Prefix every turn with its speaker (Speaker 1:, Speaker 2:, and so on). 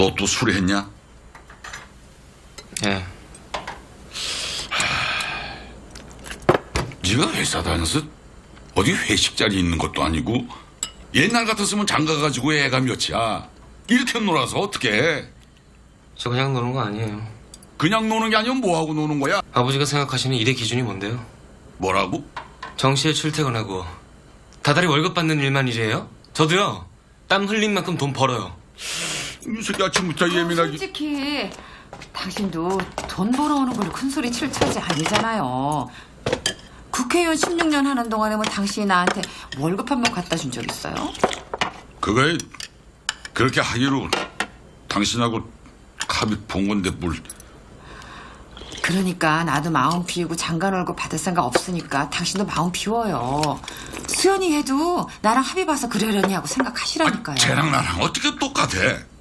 Speaker 1: 너 또 술했냐?
Speaker 2: 예.
Speaker 1: 네가 회사 다녀서 어디 회식 자리 있는 것도 아니고 옛날 같았으면 장가 가지고 애가 몇이야. 이렇게 놀아서 어떻게 해?
Speaker 2: 저 그냥 노는 거 아니에요.
Speaker 1: 그냥 노는 게 아니면 뭐하고 노는 거야?
Speaker 2: 아버지가 생각하시는 일의 기준이 뭔데요?
Speaker 1: 뭐라고?
Speaker 2: 정시에 출퇴근하고 다달이 월급 받는 일만 일이에요? 저도요. 땀 흘린 만큼 돈 벌어요.
Speaker 1: 이 새끼 아침부터 예민하게.
Speaker 3: 솔직히 당신도 돈 벌어오는 걸로 큰소리 칠 처지 아니잖아요. 국회의원 16년 하는 동안에 뭐 당신이 나한테 월급 한 번 갖다 준 적 있어요?
Speaker 1: 그거에 그렇게 하기로 당신하고 합의 본 건데 뭘.
Speaker 3: 그러니까 나도 마음 비우고 장관 월급 받을 생각 없으니까 당신도 마음 비워요. 수연이 해도 나랑 합의 봐서 그러려니 하고 생각하시라니까요.
Speaker 1: 쟤랑 나랑 어떻게 똑같아?